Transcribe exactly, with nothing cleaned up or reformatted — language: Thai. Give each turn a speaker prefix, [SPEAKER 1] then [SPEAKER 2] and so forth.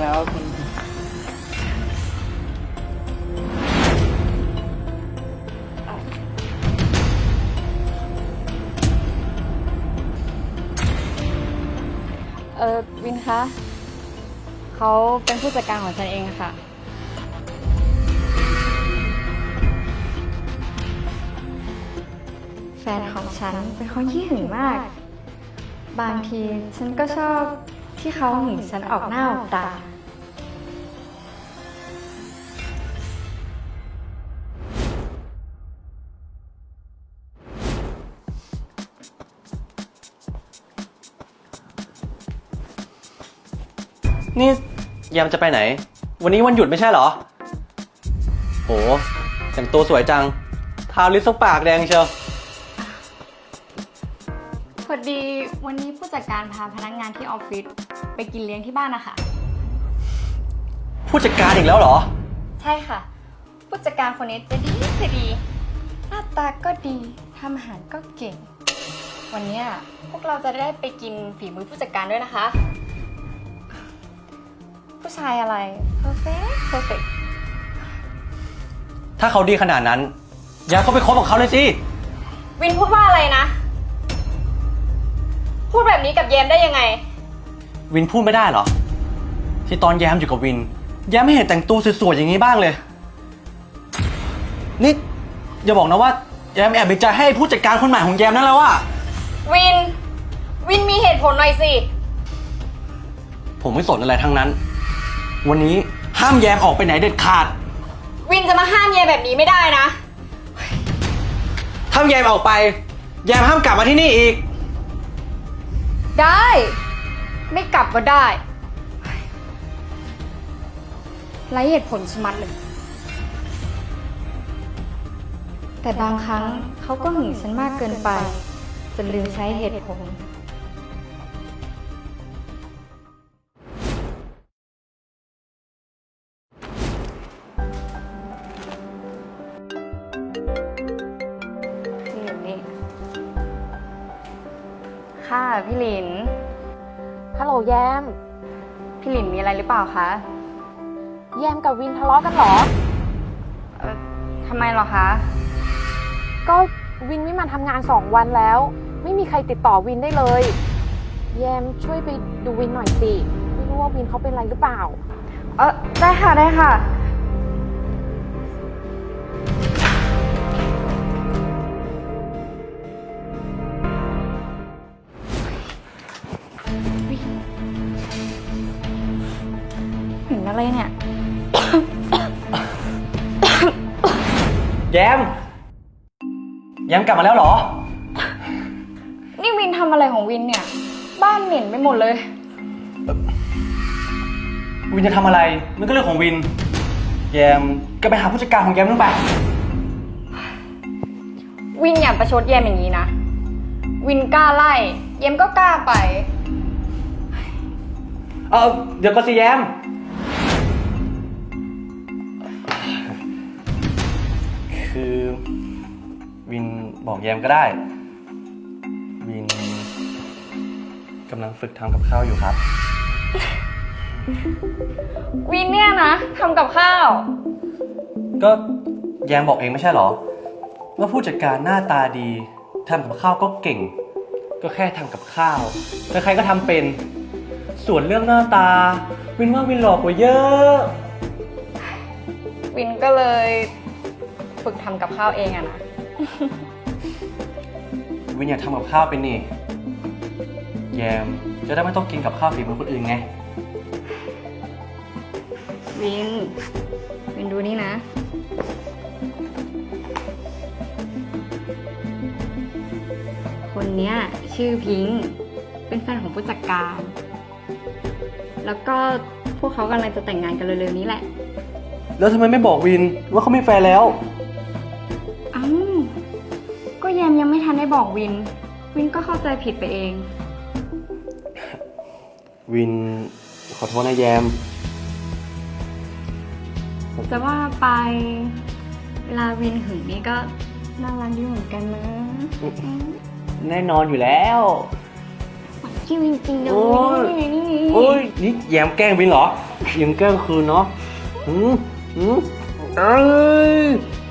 [SPEAKER 1] แล้วคุณ
[SPEAKER 2] เออวินคะ เขาเป็นผู้จัดการของฉันเองค่ะ แฟนของฉันเป็นคนขี้หึงมาก บางทีฉันก็ชอบที่เขาหึงฉันออกหน้าออกตา
[SPEAKER 3] นี่แยมจะไปไหน วันนี้วันหยุดไม่ใช่เหรอโหแต่งตัวสวยจังทาลิปสปากแดงเชียว
[SPEAKER 2] พอดีวันนี้ผู้จัดการพาพนักงานที่ออฟฟิศไปกินเลี้ยงที่บ้านนะคะ
[SPEAKER 3] ผู้จัดการอีกแล้วเหรอ
[SPEAKER 2] ใช่ค่ะ ผู้จัดการคนนี้จะดีจะดี หน้าตาก็ดีทำอาหารก็เก่ง วันนี้พวกเราจะได้ไปกินฝีมือผู้จัดการด้วยนะคะ ผู้ชายอะไร perfect perfect
[SPEAKER 3] ถ้าเขาดีขนาดนั้นแยมก็ไปคบกับเขาเลยสิ
[SPEAKER 2] วินพูดว่าอะไรนะ พูดแบบนี้กับเยมได้ยังไง
[SPEAKER 3] วินพูดไม่ได้เหรอ ที่ตอนแยมอยู่กับวินแยมไม่เห็นแต่งตัวสวยๆอย่างนี้บ้างเลย นี่อย่าบอกนะว่าแยมแอบมีใจให้ผู้จัดการคนใหม่ของแยมนั่นแล้วอะ
[SPEAKER 2] วิน วินมีเหตุผลหน่อยสิ
[SPEAKER 3] ผมไม่สนอะไรทั้งนั้น วันนี้ห้ามแยมออกไปไหนเด็ดขาด
[SPEAKER 2] วินจะมาห้ามเยมแบบนี้ไม่ได้นะ
[SPEAKER 3] ถ้าแยมออกไปแยมห้ามกลับมาที่นี่อีก
[SPEAKER 2] ได้ ไม่กลับก็ได้ไร้เหตุผลชะมัดเลย แต่บางครั้งเขาก็หึงฉันมากเกินไปจนลืมใช้เหตุผล พี่หลินนี่ ค่ะพี่หลิน
[SPEAKER 4] ฮัลโหลแยม
[SPEAKER 2] พี่หลินมีอะไรหรือเปล่าคะ
[SPEAKER 4] แยมกับวินทะเลาะกันเหรอ
[SPEAKER 2] เอ่อทำไมเหรอคะ
[SPEAKER 4] ก็วินไม่มาทำงานสองวันแล้ว ไม่มีใครติดต่อวินได้เลย แยมช่วยไปดูวินหน่อยสิ ไม่รู้ว่าวินเขาเป็นอะไรหรือเปล่า
[SPEAKER 2] เออได้ค่ะได้ค่ะ เห็นอะไรเนี่ย
[SPEAKER 3] แยมแยมกลับมาแล้วเหรอ
[SPEAKER 2] นี่วินทำอะไรของวินเนี่ย บ้านเหม็นไปหมดเลย
[SPEAKER 3] วินจะทำอะไรมันก็เรื่องของวิน แยมก็ไปหาผู้จัดการของแยมนู่นไป
[SPEAKER 2] วินอย่าประชดเยมอย่างนี้นะ วินกล้าไล่ เยมก็กล้าไป
[SPEAKER 3] เออเดี๋ยวก็สิแยม คือวินบอกแยมก็ได้ วินกำลังฝึกทำกับข้าวอยู่ครับ
[SPEAKER 2] วินเนี่ยนะทำกับข้าว
[SPEAKER 3] ก็แยมบอกเองไม่ใช่เหรอ ว่าผู้จัดการหน้าตาดีทำกับข้าวก็เก่ง ก็แค่ทำกับข้าวใครๆก็ทำเป็น ส่วนเรื่องหน้าตา วินว่าวินหลอกกว่าเยอะ
[SPEAKER 2] วินก็เลยฝึกทำกับข้าวเองอะนะ
[SPEAKER 3] วินอยากทำกับข้าวเป็นนี่ แยมจะได้ไม่ต้องกินกับข้าวฝีมือคนอื่นไง
[SPEAKER 2] วิน วินดูนี่นะ คนเนี้ยชื่อพิงค์เป็นแฟนของผู้จัดการ แล้วก็พวกเขากำลังจะแต่งงานกันเร็วๆนี้แหละ
[SPEAKER 3] แล้วทำไมไม่บอกวินว่าเขามีแฟนแล้ว
[SPEAKER 2] อ้าว ก็แยมยังไม่ทันได้บอกวิน วินก็เข้าใจผิดไปเอง
[SPEAKER 3] วินขอโทษนะแยม
[SPEAKER 2] จะว่าไปเวลาวินหึงนี่ก็น่ารักดีเหมือนกันนะ
[SPEAKER 3] แน่นอนอยู่แล้ว
[SPEAKER 2] วจริงๆนะ
[SPEAKER 3] โอ้ย
[SPEAKER 2] วินนี่
[SPEAKER 3] โอ้ยนี่แยมแกล้งวินเหรอยังแกล้งคืนเนาะอืมอืมเอ้ย